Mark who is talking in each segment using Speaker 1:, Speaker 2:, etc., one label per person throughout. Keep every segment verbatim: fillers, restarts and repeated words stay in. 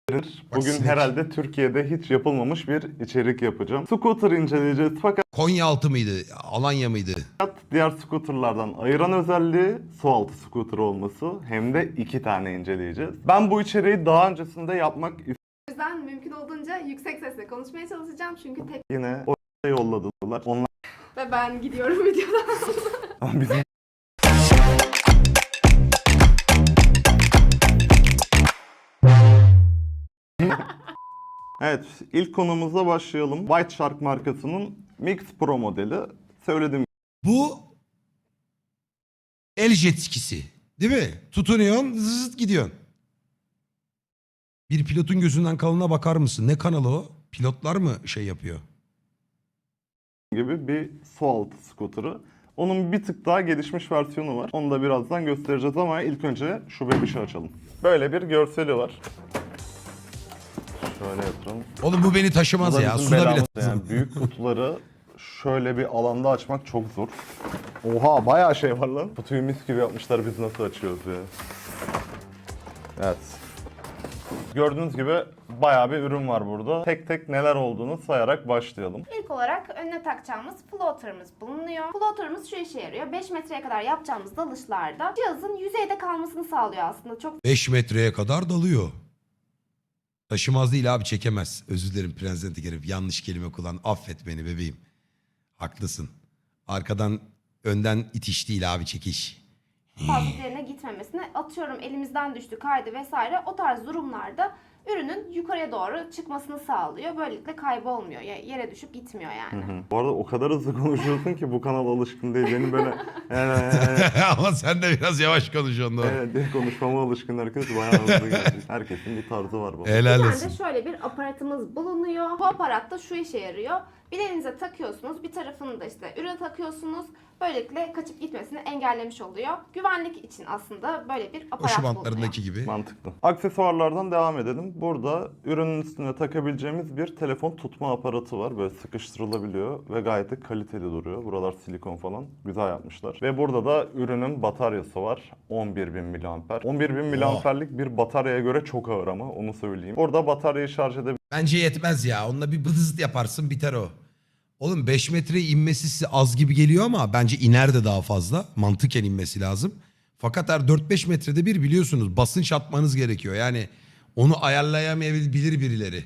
Speaker 1: Bugün
Speaker 2: sinek.
Speaker 1: herhalde Türkiye'de hiç yapılmamış bir içerik yapacağım. Scooter inceleyeceğiz fakat
Speaker 2: Konyaaltı mıydı? Alanya mıydı?
Speaker 1: diğer scooterlardan ayıran özelliği su altı scooter olması, hem de iki tane inceleyeceğiz. Ben bu içeriği daha öncesinde yapmak
Speaker 3: O yüzden mümkün olduğunca yüksek sesle konuşmaya çalışacağım çünkü tek
Speaker 1: yine o yolladılar. Onlar
Speaker 3: ve ben gidiyorum videodan.
Speaker 1: bizim Evet, ilk konumuzla başlayalım. White Shark markasının Mix Pro modeli. Söylediğim
Speaker 2: Bu el jet skisi. Değil mi? Tutunuyorsun, zıt gidiyorsun. Bir pilotun gözünden kalına bakar mısın? Ne kanalı o? Pilotlar mı şey yapıyor?
Speaker 1: gibi bir su altı scooter'ı. Onun bir tık daha gelişmiş versiyonu var. Onu da birazdan göstereceğiz ama ilk önce şu bebişi açalım. Böyle bir görseli var. Şöyle yatıralım.
Speaker 2: Oğlum bu beni
Speaker 1: Bu
Speaker 2: taşımaz
Speaker 1: da
Speaker 2: ya.
Speaker 1: bizim
Speaker 2: Suda bile
Speaker 1: belamız
Speaker 2: taşımaz.
Speaker 1: yani. Büyük kutuları şöyle bir alanda açmak çok zor. Oha, bayağı şey var lan. Kutuyu mis gibi yapmışlar, biz nasıl açıyoruz ya. Evet. Gördüğünüz gibi bayağı bir ürün var burada. Tek tek neler olduğunu sayarak başlayalım.
Speaker 3: İlk olarak önüne takacağımız floater'ımız bulunuyor. Floater'ımız şu işe yarıyor. beş metreye kadar yapacağımız dalışlarda cihazın yüzeyde kalmasını sağlıyor aslında. Çok
Speaker 2: beş metreye kadar dalıyor. Taşımaz değil abi, çekemez. Özür dilerim Prens Tekerif. Yanlış kelime kullan. Affet beni bebeğim. Haklısın. Arkadan önden itiş değil abi, çekiş.
Speaker 3: fazla üzerine gitmemesini, atıyorum elimizden düştü, kaydı vesaire, o tarz durumlarda ürünün yukarıya doğru çıkmasını sağlıyor. Böylelikle kaybolmuyor. Ya- Yere düşüp gitmiyor yani.
Speaker 1: Hı. Bu arada o kadar hızlı konuşuyorsun ki bu kanal alışkın değil. Beni böyle
Speaker 2: Ama sen de biraz yavaş konuşuyorsun doğru.
Speaker 1: evet, diye konuşmama alışkın herkes, bayağı hızlı geldi. Herkesin bir tarzı var bu.
Speaker 2: Helal
Speaker 3: Bir
Speaker 2: olsun.
Speaker 3: tane de şöyle bir aparatımız bulunuyor. Bu aparat da şu işe yarıyor. Bileğinize takıyorsunuz, bir tarafını da işte ürüne takıyorsunuz. Böylelikle kaçıp gitmesini engellemiş oluyor. Güvenlik için aslında böyle bir
Speaker 2: O
Speaker 3: aparat
Speaker 2: şu
Speaker 3: bulunuyor.
Speaker 2: bantlarındaki gibi.
Speaker 1: Mantıklı. Aksesuarlardan devam edelim. Burada ürünün üstüne takabileceğimiz bir telefon tutma aparatı var. Böyle sıkıştırılabiliyor ve gayet de kaliteli duruyor. Buralar silikon falan. Güzel yapmışlar. Ve burada da ürünün bataryası var. on bir bin miliamper. on bir bin miliamperlik bir bataryaya göre çok ağır ama onu söyleyeyim. Burada bataryayı şarj edebilirsiniz.
Speaker 2: Bence yetmez ya. Onunla bir bıdızıt yaparsın biter o. Oğlum beş metreye inmesi size az gibi geliyor ama bence iner de daha fazla. Mantıken inmesi lazım. Fakat her dört beş metrede bir biliyorsunuz basınç atmanız gerekiyor. Yani onu ayarlayamayabilir birileri.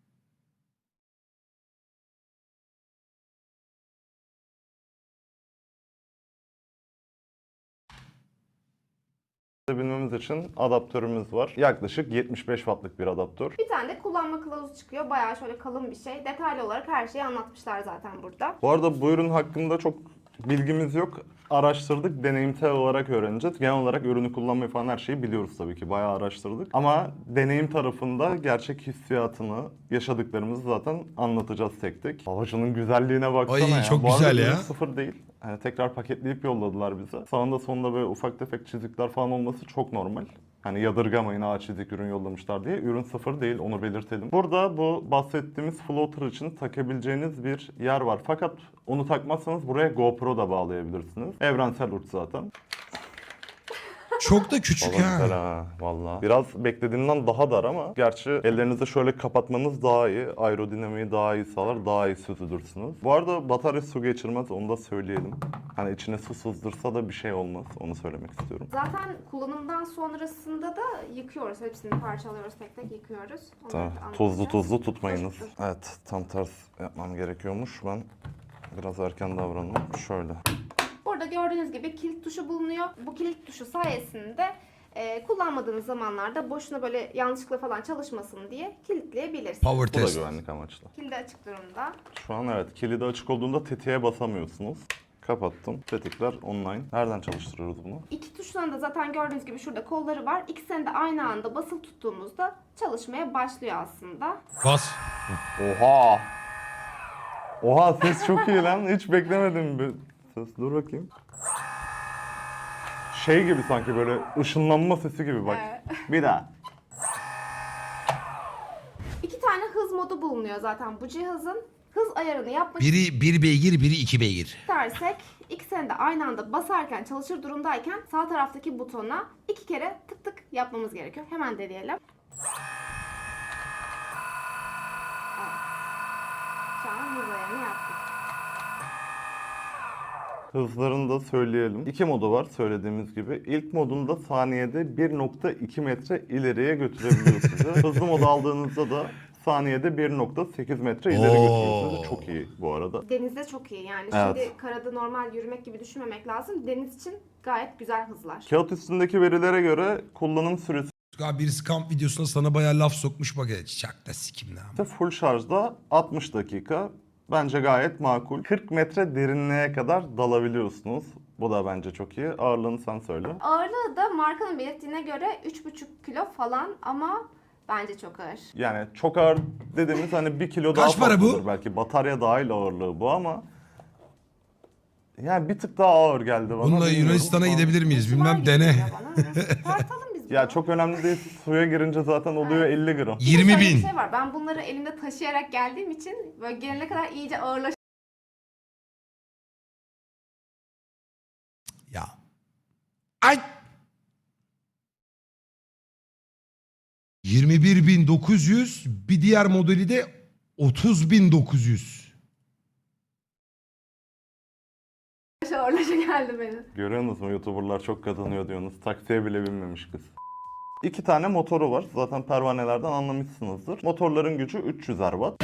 Speaker 1: Bilmemiz için adaptörümüz var. Yaklaşık yetmiş beş wattlık bir adaptör.
Speaker 3: Bir tane de kullanma kılavuzu çıkıyor. Bayağı şöyle kalın bir şey. Detaylı olarak her şeyi anlatmışlar zaten burada.
Speaker 1: Bu arada bu ürün hakkında çok bilgimiz yok. Araştırdık, deneyimsel olarak öğreneceğiz. Genel olarak ürünü kullanmayı falan her şeyi biliyoruz tabii ki. Bayağı araştırdık. Ama deneyim tarafında gerçek hissiyatını, yaşadıklarımızı zaten anlatacağız tek tek. Havacının güzelliğine baksana
Speaker 2: Ay,
Speaker 1: ya.
Speaker 2: çok
Speaker 1: Bu arada
Speaker 2: güzel ya.
Speaker 1: ürün sıfır değil. Yani tekrar paketleyip yolladılar bize. Sağında sonunda böyle ufak tefek çizikler falan olması çok normal. Hani yadırgamayın, ağaç çizik ürün yollamışlar diye. Ürün sıfır değil, onu belirtelim. Burada bu bahsettiğimiz floater için takabileceğiniz bir yer var. Fakat onu takmazsanız buraya GoPro da bağlayabilirsiniz. Evrensel uç zaten.
Speaker 2: Çok da küçük
Speaker 1: Valla güzel
Speaker 2: ha.
Speaker 1: ha valla. Biraz beklediğimden daha dar ama gerçi ellerinizi şöyle kapatmanız daha iyi. Aerodinamiği daha iyi sağlar, daha iyi süzülürsünüz. Bu arada batarya su geçirmez, onu da söyleyelim. Hani içine su sızdırsa da bir şey olmaz, onu söylemek istiyorum.
Speaker 3: Zaten kullanımdan sonrasında da yıkıyoruz. Hepsini parçalıyoruz, tek tek yıkıyoruz. Onları
Speaker 1: Tamam.
Speaker 3: da
Speaker 1: Tuzlu
Speaker 3: anlatacağız.
Speaker 1: tuzlu tutmayınız.
Speaker 3: Dur, dur.
Speaker 1: Evet, tam ters yapmam gerekiyormuş. Ben biraz erken davrandım. Şöyle.
Speaker 3: Burada gördüğünüz gibi kilit tuşu bulunuyor. Bu kilit tuşu sayesinde e, kullanmadığınız zamanlarda boşuna böyle yanlışlıkla falan çalışmasın diye kilitleyebilirsiniz.
Speaker 2: Power
Speaker 1: Bu da
Speaker 2: test.
Speaker 1: güvenlik amaçlı.
Speaker 3: Kilidi açık durumda.
Speaker 1: Şu an evet, kilidi açık olduğunda tetiğe basamıyorsunuz. Kapattım. Tetikler online. Nereden çalıştırıyoruz bunu?
Speaker 3: İki tuşların da zaten gördüğünüz gibi şurada kolları var. İkisini de aynı anda basılı tuttuğumuzda çalışmaya başlıyor aslında.
Speaker 2: Bas.
Speaker 1: Oha! Oha, ses çok iyi lan. Hiç beklemedim bir ses. Dur bakayım. Şey gibi sanki, böyle ışınlanma sesi gibi bak.
Speaker 3: Evet.
Speaker 1: Bir daha.
Speaker 3: İki tane hız modu bulunuyor zaten bu cihazın. Hız ayarını yapmak
Speaker 2: Biri bir beygir, biri iki beygir.
Speaker 3: istersek ikisini de aynı anda basarken, çalışır durumdayken sağ taraftaki butona iki kere tık tık yapmamız gerekiyor. Hemen deneyelim. Şu an hız ayarını yaptık.
Speaker 1: Hızlarını da söyleyelim. İki modu var söylediğimiz gibi. İlk modunda saniyede bir nokta iki metre ileriye götürebiliyor sizi. Hızlı modu aldığınızda da saniyede bir nokta sekiz metre ileri
Speaker 2: Oo.
Speaker 1: götürüyor sizi. Çok iyi bu arada.
Speaker 3: Denizde çok iyi yani.
Speaker 1: Evet.
Speaker 3: Şimdi karada normal yürümek gibi düşünmemek lazım. Deniz için gayet güzel hızlar.
Speaker 1: Kağıt üstündeki verilere göre kullanım süresi
Speaker 2: Abi birisi kamp videosuna sana bayağı laf sokmuş bak ya. Çak da sikim ne ama.
Speaker 1: full şarjda altmış dakika. Bence gayet makul. kırk metre derinliğe kadar dalabiliyorsunuz. Bu da bence çok iyi. Ağırlığını sen söyle.
Speaker 3: Ağırlığı da markanın belirttiğine göre üç buçuk kilo falan ama bence çok ağır.
Speaker 1: Yani çok ağır dediğimiz hani bir kilo daha
Speaker 2: Kaç para bu?
Speaker 1: fazladır belki. Batarya dahil ağırlığı bu ama yani bir tık daha ağır geldi bana.
Speaker 2: Bununla
Speaker 1: bilmiyorum.
Speaker 2: Yunanistan'a gidebilir miyiz?
Speaker 3: Kibar
Speaker 2: Bilmem
Speaker 3: gibi
Speaker 2: dene.
Speaker 3: geliyor bana. Tartalım biz bunu.
Speaker 1: Ya çok önemli değil. Suya girince zaten oluyor elli gram.
Speaker 3: Bir de
Speaker 2: yirmi
Speaker 3: şöyle bir
Speaker 2: bin.
Speaker 3: şey var. Ben bunları elimde taşıyarak geldiğim için böyle gelene kadar iyice ağırlaşıyor.
Speaker 2: Ya. Ay. yirmi bir bin dokuz yüz, bir diğer modeli de otuz bin dokuz yüz.
Speaker 3: Ağırlaşa geldi benim.
Speaker 1: Görüyorsunuz mu YouTuber'lar çok kazanıyor diyorsunuz. Taksiye bile binmemiş kız. İki tane motoru var. Zaten pervanelerden anlamışsınızdır. Motorların gücü üç yüzer watt.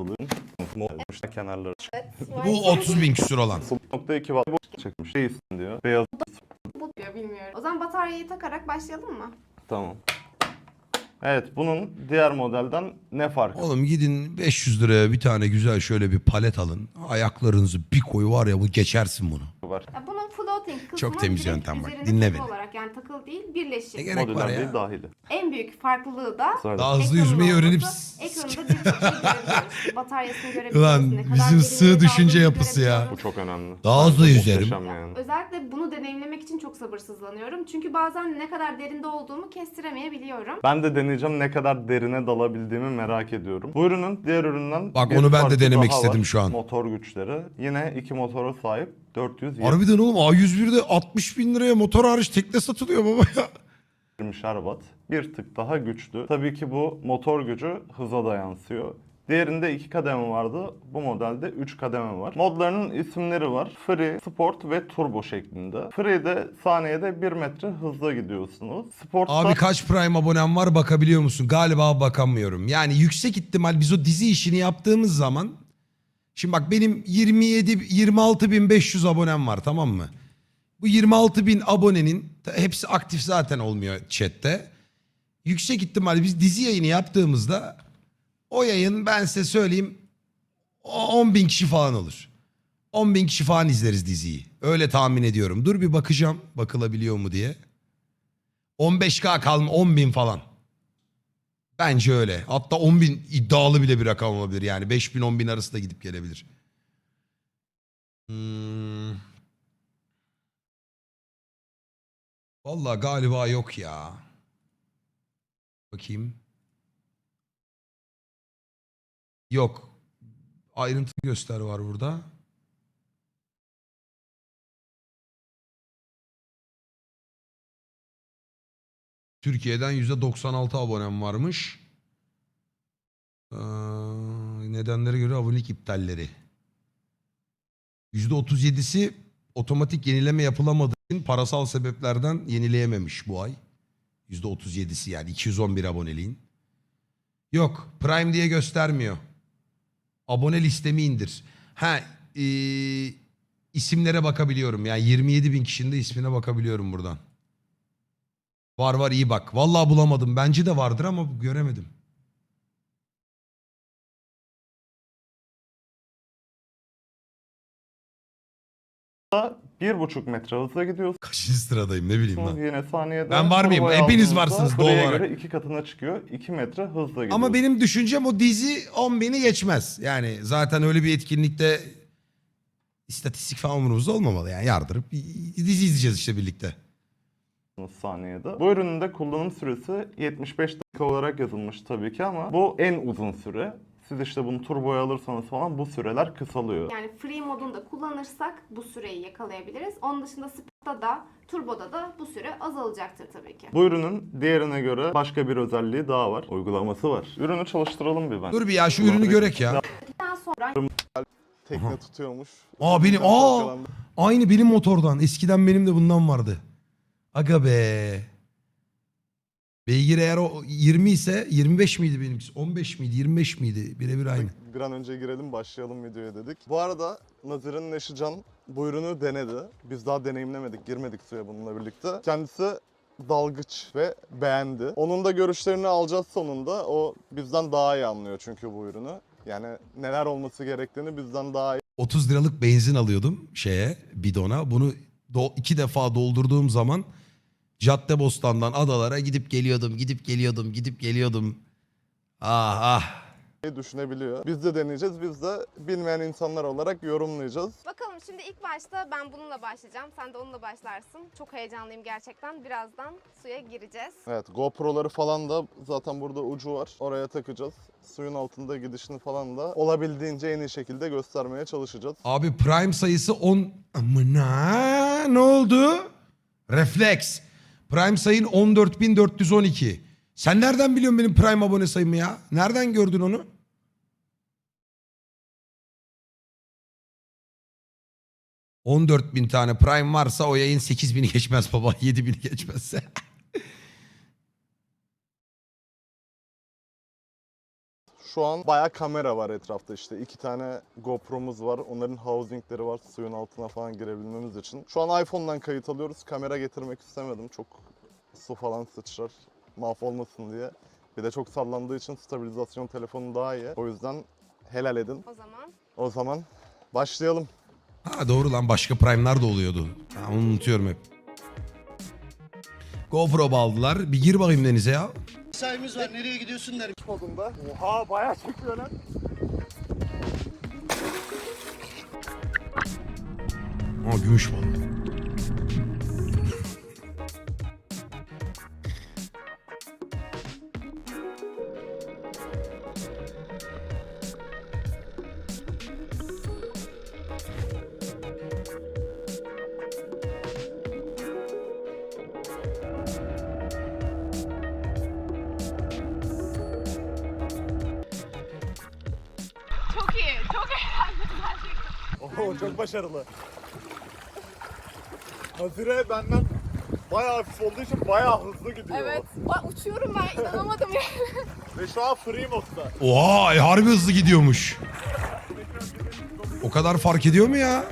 Speaker 1: Kenarları
Speaker 2: Bu otuz bin küsur olan.
Speaker 1: sıfır nokta iki watt bu çekmiş. Değilsin diyor. Beyaz.
Speaker 3: Bu diyor bilmiyorum. O zaman bataryayı takarak başlayalım mı?
Speaker 1: Tamam. Evet, bunun diğer modelden ne farkı
Speaker 2: Oğlum gidin beş yüz liraya bir tane güzel şöyle bir palet alın. Ayaklarınızı bir koy var ya bu geçersin bunu.
Speaker 1: var?
Speaker 3: Ya bunun floating kısmı
Speaker 2: Çok temiz
Speaker 3: direkt
Speaker 2: yöntem bak,
Speaker 3: üzerinde
Speaker 2: dinle
Speaker 3: takılı
Speaker 2: beni.
Speaker 3: olarak yani takılı değil birleşik.
Speaker 2: Ne gerek var
Speaker 1: Modüler
Speaker 2: ya?
Speaker 1: değil, dahili.
Speaker 3: En büyük farklılığı da
Speaker 1: Sonra
Speaker 2: Daha hızlı
Speaker 3: ekranın
Speaker 2: yüzmeyi
Speaker 3: olması.
Speaker 2: öğrenip...
Speaker 3: Ekranında birçok şey görebiliyoruz. Bataryasını görebiliyoruz.
Speaker 2: Ulan
Speaker 3: ne kadar
Speaker 2: bizim
Speaker 3: derinliğe
Speaker 2: sığ düşünce
Speaker 3: daldığını
Speaker 2: yapısı ya.
Speaker 1: bu
Speaker 3: görebiliyoruz.
Speaker 1: çok önemli.
Speaker 2: Daha hızlı yüzerim.
Speaker 1: Muhteşem yani.
Speaker 3: Özellikle bunu deneyimlemek için çok sabırsızlanıyorum. Çünkü bazen ne kadar derinde olduğumu kestiremeyebiliyorum.
Speaker 1: Ben de deneyeceğim, ne kadar derine dalabildiğimi merak ediyorum. Bu ürünün diğer üründen
Speaker 2: Bak,
Speaker 1: bir
Speaker 2: onu ben de
Speaker 1: farkı
Speaker 2: denemek
Speaker 1: daha
Speaker 2: istedim
Speaker 1: var.
Speaker 2: şu an.
Speaker 1: Motor güçleri. Yine iki motora sahip dört yüz
Speaker 2: Harbiden oğlum A yüz birde altmış bin liraya motor hariç tekne satılıyor baba ya.
Speaker 1: yirmişer watt. Bir tık daha güçlü. Tabii ki bu motor gücü hıza da yansıyor. Diğerinde iki kademe vardı. Bu modelde üç kademe var. Modlarının isimleri var. Free, Sport ve Turbo şeklinde. Free'de saniyede bir metre hızla gidiyorsunuz. Sport'ta
Speaker 2: Abi kaç Prime abonem var bakabiliyor musun? Galiba bakamıyorum. Yani yüksek ihtimal biz o dizi işini yaptığımız zaman... Şimdi bak benim yirmi yedi yirmi altı bin beş yüz abonem var, tamam mı? Bu yirmi altı bin abonenin hepsi aktif zaten olmuyor chatte. Yüksek ihtimal biz dizi yayını yaptığımızda o yayın, ben size söyleyeyim, on bin kişi falan olur. on bin kişi falan izleriz diziyi. Öyle tahmin ediyorum. Dur bir bakacağım bakılabiliyor mu diye. on beş K kalma, on bin falan. Bence öyle. Hatta on bin iddialı bile bir rakam olabilir. Yani beş bin on bin arası da gidip gelebilir. Hmm. Vallahi galiba yok ya. Bakayım. Yok. Ayrıntı göster var burada. Türkiye'den yüzde doksan altı abonem varmış. Ee, nedenlere göre abonelik iptalleri. yüzde otuz yedisi otomatik yenileme yapılamadığı için parasal sebeplerden yenileyememiş bu ay. yüzde otuz yedisi yani iki yüz on bir aboneliğin. Yok, Prime diye göstermiyor. Abone listemi indir. Ha, e, isimlere bakabiliyorum. Yani yirmi yedi bin kişinin de ismine bakabiliyorum buradan. Var var, iyi bak. Vallahi bulamadım. Bence de vardır ama göremedim.
Speaker 1: bir buçuk metre hızla gidiyorsunuz.
Speaker 2: Kaçıncı sıradayım ne bileyim lan.
Speaker 1: Yine saniyede.
Speaker 2: Ben var mıyım?
Speaker 1: turboya
Speaker 2: Hepiniz
Speaker 1: aldığınızda
Speaker 2: varsınız doğal
Speaker 1: Free'ye
Speaker 2: olarak.
Speaker 1: göre iki katına çıkıyor. iki metre hızla gidiyorsunuz.
Speaker 2: Ama benim düşüncem o dizi on bini geçmez. Yani zaten öyle bir etkinlikte istatistik falan umurumuzda olmamalı. Yani yardırıp dizi izleyeceğiz işte birlikte.
Speaker 1: saniyede. Bu ürünün de kullanım süresi yetmiş beş dakika olarak yazılmış tabii ki ama bu en uzun süre. Siz işte bunu turboya alırsanız falan bu süreler kısalıyor.
Speaker 3: Yani free modunda kullanırsak bu süreyi yakalayabiliriz. Onun dışında sportta da turboda da bu süre azalacaktır tabii ki.
Speaker 1: Bu ürünün diğerine göre başka bir özelliği daha var. Uygulaması var. Ürünü çalıştıralım bir ben.
Speaker 2: Dur bir ya şu ürünü görek ya.
Speaker 3: Daha sonra
Speaker 1: Tekne tutuyormuş.
Speaker 2: Aa benim aa aynı benim motordan. Eskiden benim de bundan vardı. Aga be. Beygir eğer o yirmi ise yirmi beş miydi benimkisi? on beş miydi? yirmi beş miydi? Birebir aynı.
Speaker 1: Bir an önce girelim başlayalım videoya dedik. Bu arada Nazır'ın eşi Can bu ürünü denedi. Biz daha deneyimlemedik, girmedik suya bununla birlikte. Kendisi dalgıç ve beğendi. Onun da görüşlerini alacağız sonunda. O bizden daha iyi anlıyor çünkü bu ürünü. Yani neler olması gerektiğini bizden daha iyi
Speaker 2: otuz liralık benzin alıyordum şeye bidona. Bunu do- iki defa doldurduğum zaman Caddebostan'dan adalara gidip geliyordum, gidip geliyordum, gidip geliyordum. Ah ah.
Speaker 1: düşünebiliyor. Biz de deneyeceğiz. Biz de bilmeyen insanlar olarak yorumlayacağız.
Speaker 3: Bakalım şimdi ilk başta ben bununla başlayacağım. Sen de onunla başlarsın. Çok heyecanlıyım gerçekten. Birazdan suya gireceğiz.
Speaker 1: Evet, GoPro'ları falan da zaten burada ucu var. Oraya takacağız. Suyun altında gidişini falan da olabildiğince en iyi şekilde göstermeye çalışacağız.
Speaker 2: Abi Prime sayısı on... Amına ne oldu? Refleks. Prime sayın on dört bin dört yüz on iki. Sen nereden biliyorsun benim Prime abone sayımı ya? Nereden gördün onu? on dört bin tane Prime varsa o yayın sekiz bini geçmez baba. yedi bini geçmezse.
Speaker 1: Şu an bayağı kamera var etrafta işte. İki tane GoPro'muz var. Onların housingleri var suyun altına falan girebilmemiz için. Şu an iPhone'dan kayıt alıyoruz. Kamera getirmek istemedim. Çok su falan sıçrar. Mahvolmasın diye. Bir de çok sallandığı için stabilizasyon telefonu daha iyi. O yüzden helal edin.
Speaker 3: O zaman
Speaker 1: O zaman başlayalım.
Speaker 2: Ha doğru lan başka Prime'lar da oluyordu. Ha, onu unutuyorum hep. GoPro bağladılar. Bir gir bakayım denize ya.
Speaker 4: Mesaimiz var, nereye gidiyorsun der.
Speaker 1: Modunda. Oha bayağı çekiyor lan.
Speaker 2: Aa gümüş balığı.
Speaker 3: çok iyi. Çok eğlendim gerçekten.
Speaker 1: Oho çok başarılı. Nazire benden bayağı hafif olduğu için bayağı hızlı gidiyor.
Speaker 3: Evet. Bak uçuyorum ben. İnanamadım ya.
Speaker 1: Ve şu an free modda.
Speaker 2: Oha e, harbi hızlı gidiyormuş. O kadar fark ediyor mu ya?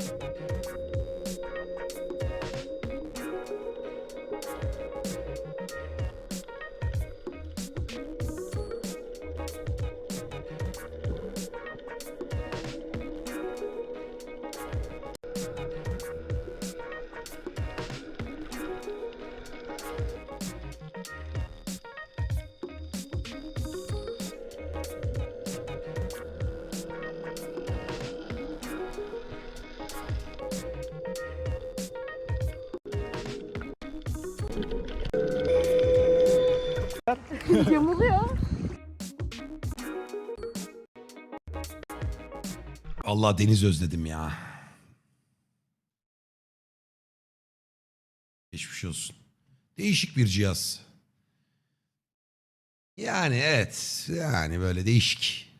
Speaker 3: Yamuluyor.
Speaker 2: Allah deniz özledim ya. Geçmiş olsun. Değişik bir cihaz. Yani evet. Yani böyle değişik.